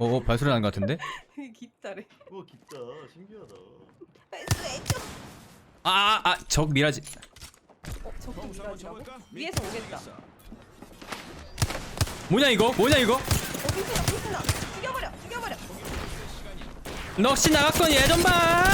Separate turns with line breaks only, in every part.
발소리 나는 것 같은데?
깊다래.
깊다. 신기하다.
왼쪽.
적 미라지.
저거 미라지라고? 위에서 오겠다.
뭐냐 이거?
핑크나. 죽여버려.
넋이 나갔건 예전 봐.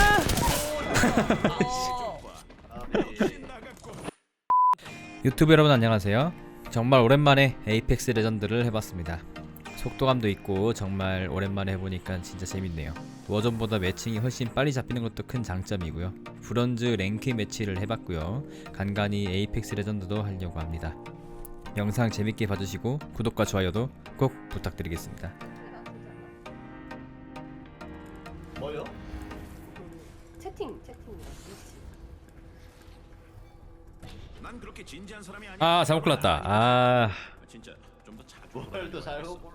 유튜브 여러분 안녕하세요. 정말 오랜만에 에이펙스 레전드를 해봤습니다. 속도감도 있고 정말 오랜만에 해보니까 진짜 재밌네요. 워전보다 매칭이 훨씬 빨리 잡히는 것도 큰 장점이고요. 브론즈 랭크 매치를 해봤고요. 간간히 에이펙스 레전드도 하려고 합니다. 영상 재밌게 봐주시고 구독과 좋아요도 꼭 부탁드리겠습니다.
뭐요?
채팅.
난 그렇게 진지한 사람이 아니야.
잘못 골랐다.
진짜 좀 더 자주
뭘 또 잘 보고.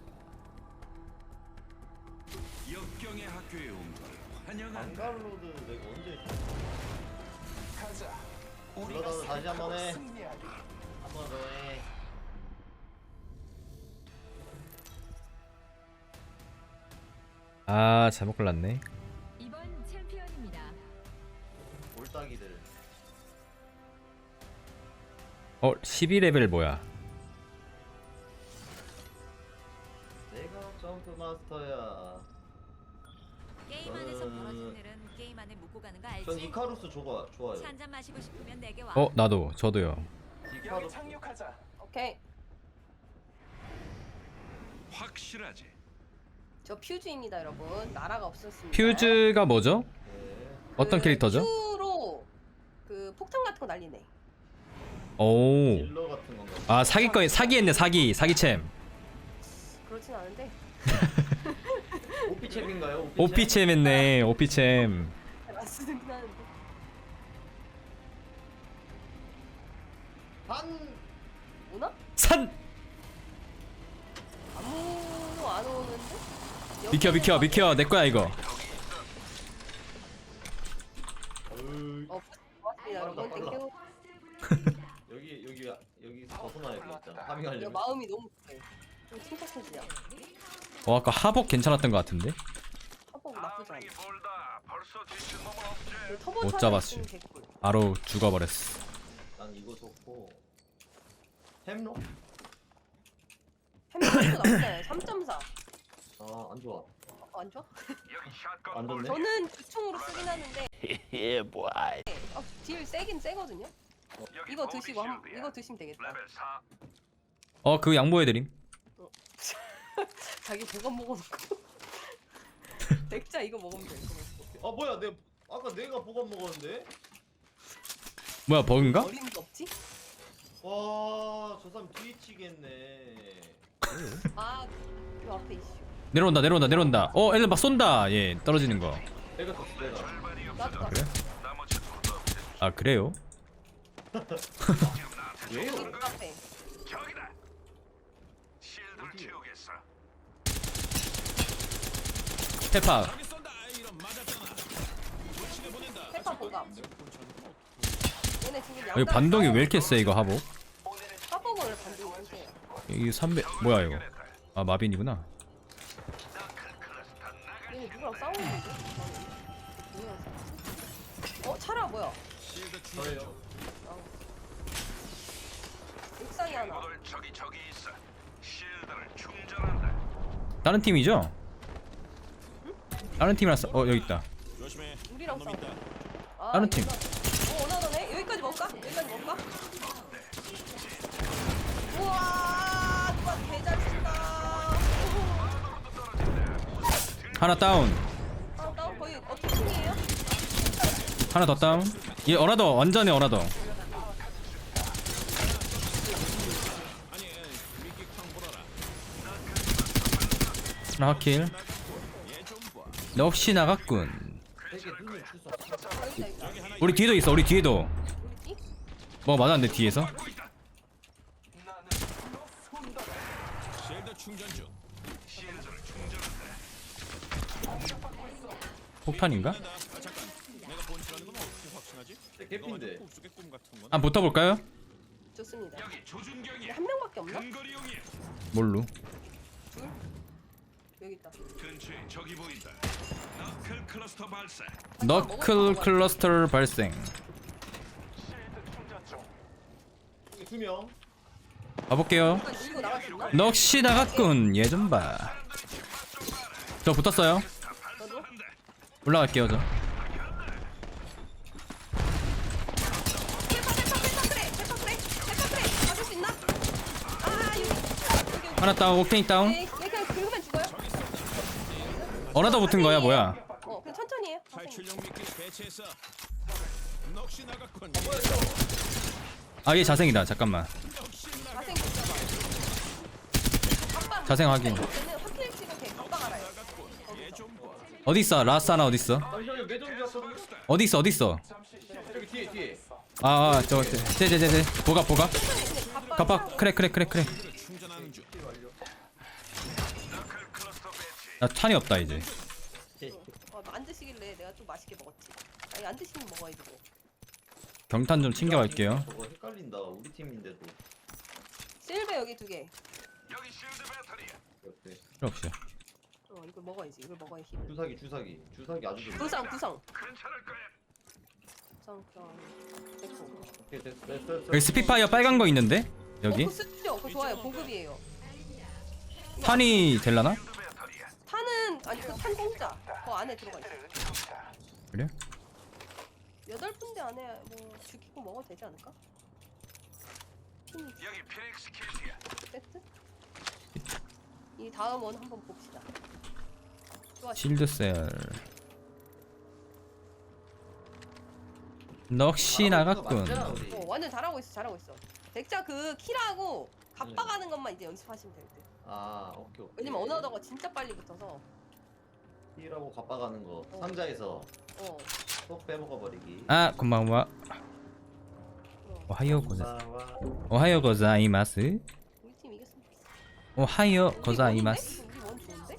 역경의 학교에 온 걸 환영한다.
방갈로드 내가 언제
가자.
불러다 다시 한 번 해. 한 번 더 해.
잘못 골랐네.
이번 챔피언입니다.
올따기들.
12레벨 뭐야?
내가 점프 마스터야.
게임 안에서 벌어진 일은 게임 안에 묻고 가는 거 알지?
전 이카루스 좋아요.
차 한잔 마시고 싶으면 내게 와.
저도요.
이카루스.
오케이.
확실하지.
저 퓨즈입니다, 여러분. 나라가 없었습니다.
퓨즈가 뭐죠?
네.
어떤 캐릭터죠?
퓨로 그 폭탄 같은 거 날리네.
오.
딜러 같은 건가?
사기했네. 사기챔.
그렇진 않은데.
오피챔인가요?
오피챔 했네. 오피챔.
쓰긴 하는데.
반.
오나?
산.
아무 안 오는데?
비켜. 내 거야 이거.
고맙습니다, 여러분.
빨라.
땡큐.
여기 벗어나야겠다.
야,
파밍하려면.
마음이 너무 급해. 좀 침착해지자.
아까 하복 괜찮았던 것 같은데.
터보 나쁘지 않아.
못 잡았어요. 바로 죽어버렸어.
난 이거 좋고. 햄록?
햄버거 나쁘잖아요. 3.4.
안 좋아.
안 좋아?
안 좋네.
저는 기총으로 쓰긴 하는데. 딜 세긴 세거든요. 이거 드시고 이거 드시면 되겠다.
그거 양보해드림.
자기 보관 먹어놓고. 백자 이거 먹으면 돼. 이거 먹고.
뭐야? 아까 내가 보관 먹었는데.
뭐야 버그인가?
어림도 없지?
와, 저 사람 뒤치겠네.
그 앞에 이슈.
내려온다. 애들 막 쏜다. 얘 떨어지는 거.
내가 떴어, 내가.
나도 나.
그래? 그래요?
왜요?
그 앞에.
페파.
페파 보가. 얘네 지금
여기
양당.
반동이 왜 이렇게 세 이거 하복?
화복을 반동이 안 세요.
이게 300 뭐야 이거? 마빈이구나.
얘네 누구랑 싸우는데? 누구랑 싸웠어? 차라 뭐야?
저예요.
옥상에 하나.
다른 팀이죠? 다른 팀이랑 여기 있다.
조심해.
우리랑 싸워.
다른 팀.
원하더네. 여기까지 먹을까? 우와, 누가 개잘 친다.
하나 다운.
나 거의 어떻게 중이에요?
하나 더 다운. 얘 어나더 완전히 어나더. 하나 하킬. 역시 나갔군.
되게 눈을 줄 수 없어.
여기다 있다.
우리 뒤에도 있어. 우리 뒤에도.
우리 띠?
맞았는데 뒤에서.
쉴드 충전 중.
폭탄인가?
잠깐. 내가 본치라는 건 어떻게 확신하지?
개핀데.
꿈속의 꿈 같은 건.
한번 붙어볼까요?
좋습니다. 한 명밖에 없나?
뭘로?
여기 있다.
근처에 적이 보인다. 너클 클러스터 발사.
너클 클러스터 발생.
여기 2명.
가볼게요.
일단 밀고 나갈 수 있나?
넋이 나갔군. 얘 좀 봐. 저 붙었어요.
너도?
올라갈게요 저.
페퍼 맞을 수 있나? 아 여기.
하나 다운. 옥테인 다운.
네, 그냥 긁으면 죽어요.
어나더 붙은 거야 뭐야?
그냥 천천히 해요.
탈출용 미끼 배치했어. 넋이 나갔군.
아 얘 자생이다. 잠깐만.
자생 붙잡아.
자생 확인.
얘는 확실히 지금 걔 깜빡 알아요.
어디 있어? 라스 하나 어디 있어?
잠시만요. 매점이었거든요.
어디 있어? 어디 있어?
여기 뒤에.
저 제제제제 보가. 가파 크랙.
충전하는 중.
나 탄이 없다 이제.
안 드시길래 내가 좀 맛있게 먹었지. 아니 안 드시면 먹어야지 뭐.
경탄 좀 챙겨갈게요.
저거 헷갈린다. 우리 팀인데도.
실베 여기 2개.
여기 실드 배터리야.
옆에.
필요 없어요.
이걸 먹어야지. 이걸 먹어야 힘.
주사기 아주 좋네.
구성.
괜찮을 거야.
구성 됐고.
오케이 됐어.
여기 스피파이어 빨간 거 있는데? 여기?
그거 쓰죠. 그거 좋아요. 보급이에요.
탄이 될라나?
탄은 아니 그 탄 공짜. 그 안에 들어가 있어.
그래?
8군데 안에 뭐 죽이고 먹어도 되지 않을까?
여기 피닉스 킬트야.
세트? 이 다음 원 한번 봅시다. 좋아.
실드셀. 넋이 나갔군.
완전 잘하고 있어. 백자 그 키라고 갑박하는 것만 이제 연습하시면 될 듯.
아 오케이.
왜냐면 언어더가 진짜 빨리 붙어서.
T라고 갑박하는 거. 상자에서
어.
쏙 빼먹어 버리기.
아 고마워. 오하요 고자이마스.
우리 팀 이겼으면 좋겠어.
오하요 고자이마스.
우리 원 좋은데?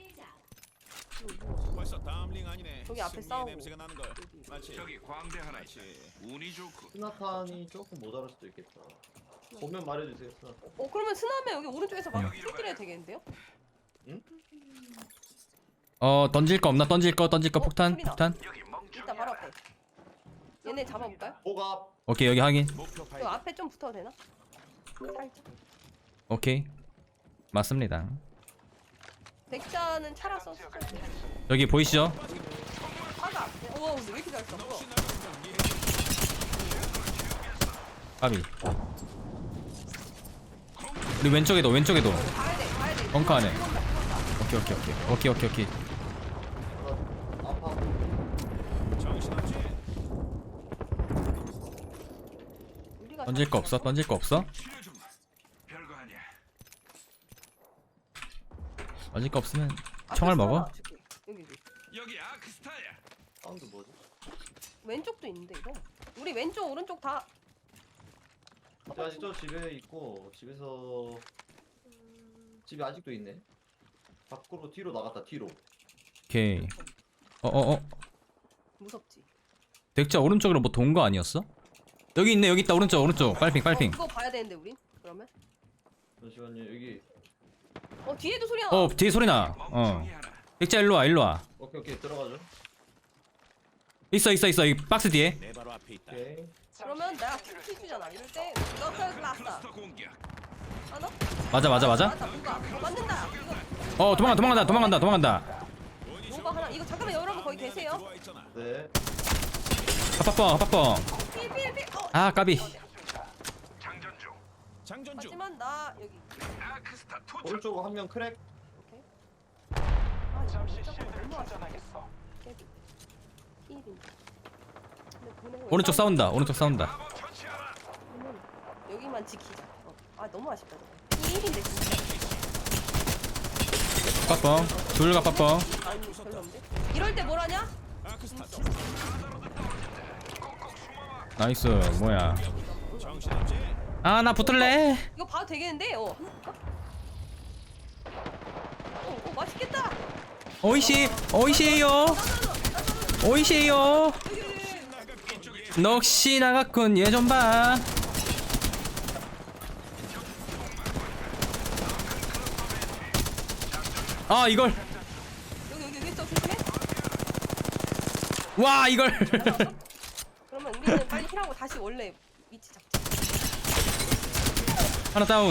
벌써 다음 링 아니네.
저기 앞에
승리의
싸우고.
냄새가 나는 걸.
여기.
마치 저기 광대 하나 있지. 운이 좋고.
스나탄이 조금 모자랄 수도 있겠다. 보면 말해주세요. 스나탄.
그러면 스나면 여기 오른쪽에서 막 킬킬해야 되겠는데요?
던질 거 없나? 던질 거 폭탄.
소리나.
여기 멍청.
이따 바로 앞에. 얘네 잡아볼까요?
보갑.
오케이 여기 확인.
목표
저
발견.
앞에 좀 붙어도 되나? 살짝.
오케이 맞습니다.
백자는 차라서
여기 보이시죠?
화가. 오, 근데 왜 이렇게 잘 써?
까비. 우리 왼쪽에도
가야 돼.
벙커 안에. 오케이.
아파.
정신없지.
우리가
던질 거 없어?
치료 좀. 별거 아니야.
던질 거 없으면
앞에
총알
스나
먹어?
하나 줄게. 여기.
여기 아크스타야.
사운드 뭐지?
왼쪽도 있는데 이거. 우리 왼쪽 오른쪽 다.
저 아직 저 집에 있고 집에서 집에 아직도 있네. 밖으로 뒤로 나갔다 뒤로.
오케이.
무섭지.
덱자 오른쪽으로 뭐 돈 거 아니었어? 여기 있네. 여기 있다. 오른쪽. 빨핑.
그거 봐야 되는데 우린. 그러면.
잠시만요 여기.
뒤에도 소리 나.
뒤에 소리 나.
멍청이 하나.
덱자 일로 와.
오케이 들어가죠.
있어. 이 박스 뒤에.
내 바로 앞에 있다.
오케이.
그러면 내가 키 주잖아. 이럴 때 너클 클라스.
클러스터 공격.
하나?
맞아.
맞다. 뭔가 맞는다. 이거
도망간다.
뭐가 하나. 이거 잠깐만 여러분 거기 계세요.
들어와 있잖아.
네.
합방.
필.
아 까비.
장전 중. 장전 중.
하지만 나 여기.
아크스타 투척.
오른쪽 한 명 크랙.
오케이. 아 이거 잠깐 너무 아쉽다. 깨비. 필인데. 근데 보내고
오른쪽 싸운다.
마법 처치하라.
그러면 여기만 지키자. 아 너무 아쉽다. 저거. 필인데 진짜.
합방. 둘 합방.
아니 별로인데. 이럴 때 뭘 하냐?
아크스타
나이스. 뭐야?
정신없지.
아 나 붙을래.
이거 봐도 되겠는데? 한번 볼까? 맛있겠다.
오이시에요. 넋이 나갔군. 얘 좀 봐. 아 이걸
여기 있어 조심해.
와 이걸
그러면 우리는 빨리 힐하고 다시 원래 위치 잡자.
하나 다운.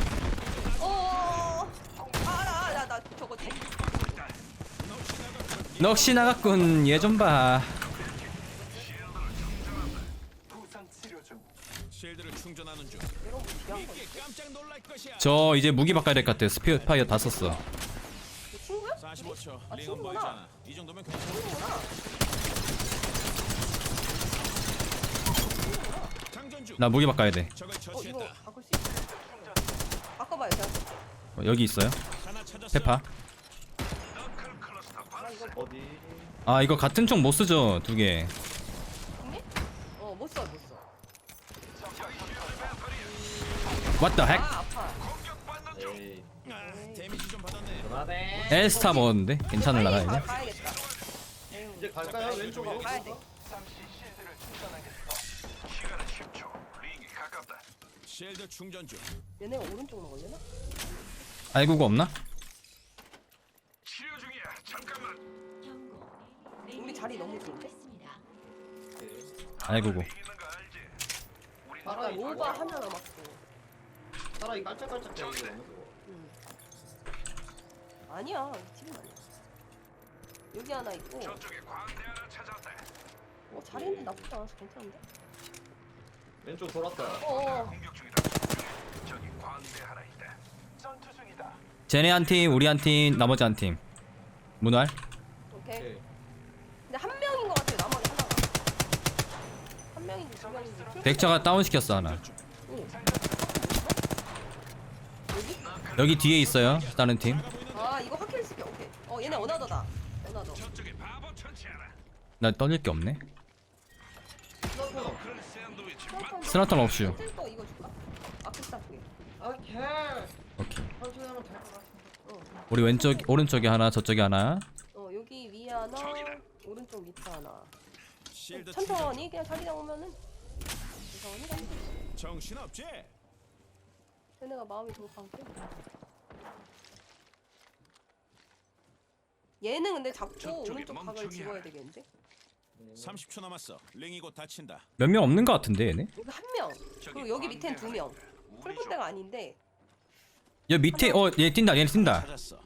나 저거 돼.
넋이 나갔군. 얘 좀 봐.
실드를 충전하는 중.
이런 거 필요한 거.
이게 깜짝 놀랄 것이야.
저 이제 무기 바꿔야 될 것 같아요. 스피어파이어 다 썼어.
너 친구야?
45초.
아,
링은
친구구나.
멀잖아. 이 정도면 괜찮아.
친구구나.
장전 중.
나 무기 바꿔야 돼.
적을
이거
처치했다.
바꿀 수 있어. 바꿔봐요 제가.
여기 있어요.
하나 찾았어.
페파.
어디?
아 이거 같은 총 못 쓰죠. 두 개.
있니? 못 써.
What the heck?
아 아파.
에이.
데미지 좀 받았네.
그만해.
엘스타 먹었는데 괜찮을라나 이제?
가야겠다.
이제 갈까요? 왼쪽으로?
가야 돼.
실드 충전 중.
얘네가 오른쪽 먹으려나?
알구가 없나?
우리 자리 너무 좋은데?
알구고.
아까
사라이
로바 하나 남았어.
사라이 깔짝깔짝 대는 거.
아니야, 이 팀은 아니야. 여기 하나 있고. 자리인데 나쁘지 않아서 괜찮은데?
왼쪽 돌았다.
쟤네 한 팀, 우리 한 팀, 나머지 한 팀. 문활.
오케이.
오케이.
근데 한 명인 것 같아요, 나머지 하나가. 한 명인지 두 명인지.
덱처가 다운 시켰어 하나.
응.
여기 뒤에 있어요. 다른 팀.
아, 이거 확킬 시켜. 오케이. 얘네 어나더다. 어나더.
나 떠질 게 없네.
어.
스나턴 없슈.
또 이거 줄까? 아크스타 두 개.
오케이.
오케이.
천천히 하면 될 것 같아.
우리 왼쪽, 오른쪽에 하나, 저쪽에 하나.
여기 위에 하나, 오른쪽 밑에 하나.
실드
천천히 그냥 자리 잡으면은 천천히 가면 돼.
정신 없지?
쟤네가 마음이 돌아가고. 얘는 근데 잡고 오른쪽 각을 집어야 되겠는데?
30초 남았어. 링이 곧 닫힌다.
몇 명 없는 것 같은데 얘네.
여기 한 명. 그리고 여기 밑엔 두 명. 풀분대가 아닌데.
여 밑에 얘 뛴다. 얘 뛴다.
찾았어.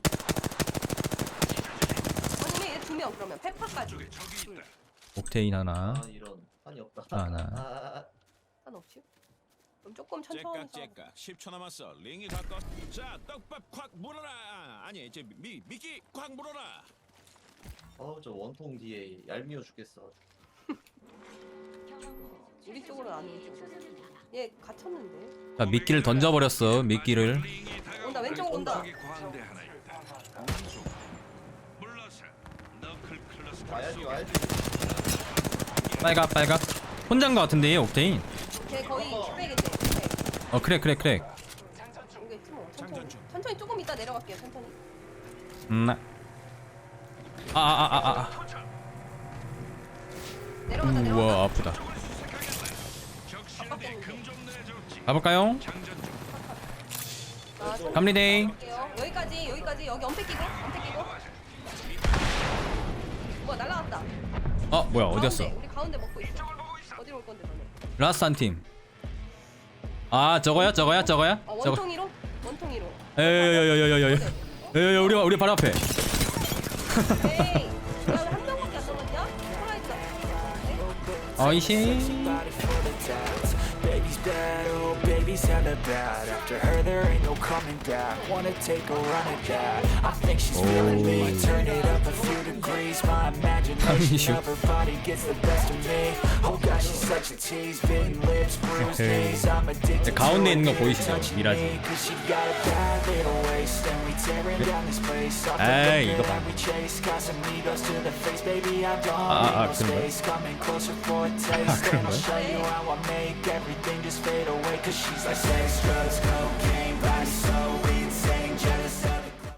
아니면 얘 두 명 그러면 페파까지. 둘.
옥테인 하나.
아 이런 한이 없다.
하나.
상관없지? 그럼 조금 천천히 가.
째깍째깍 10초 남았어. 링이 가까워. 자, 떡밥 콱 물어라. 아니, 이제 미끼 콱 물어라.
저 원통 뒤에 얄미워 죽겠어.
우리 쪽으로 안 오죠. 얘 갇혔는데.
자 미끼를 던져버렸어. 미끼를.
온다 왼쪽으로 온다.
와야지.
빨각 빨각. 혼자인 것 같은데 얘 옥테인.
걔 거의 킥백인데. 킥백.
크랙.
오겠지 뭐.
장전
천천히.
중.
천천히 조금 이따 내려갈게요. 천천히. 내려가자 내려가자.
우와 아프다.
바꿨겠는데.
가볼까요? 갑니데이.
갈게요. 여기까지 여기 엄폐 끼고. 뭐야 날라갔다.
뭐야 어디였어?
가운데, 우리 가운데 먹고 있어. 어디로 올 건데 너네?
라스트 한 팀. 아 저거야?
원통이로?
에이 우리 바로 앞에.
에이, 야왜한 명밖에 안 남았냐? 살아있다.
어이씨.
Baby's bad, oh baby's hella bad. After her there ain't no coming back. Wanna take a run at that. I think she's feeling me. Turn it up a few degrees. My imagination of her body gets the best of me. Oh gosh, she's such a tease. Bitten lips, bruised knees. I'm addicted to
가운데 있는 거
her
보이시죠?
touching
미라지.
me. 'Cause she got a bad little waist. And we tearing down this place. Off the
에이,
road
이거 봐.
that we chase. Casamigos to the face, baby. I don't
아,
need no
그런 거야?
space. Coming closer for a taste.
그런
And I'll
거야?
show you how I make everything just fade away. Cause she's like sex, drugs, cocaine, body so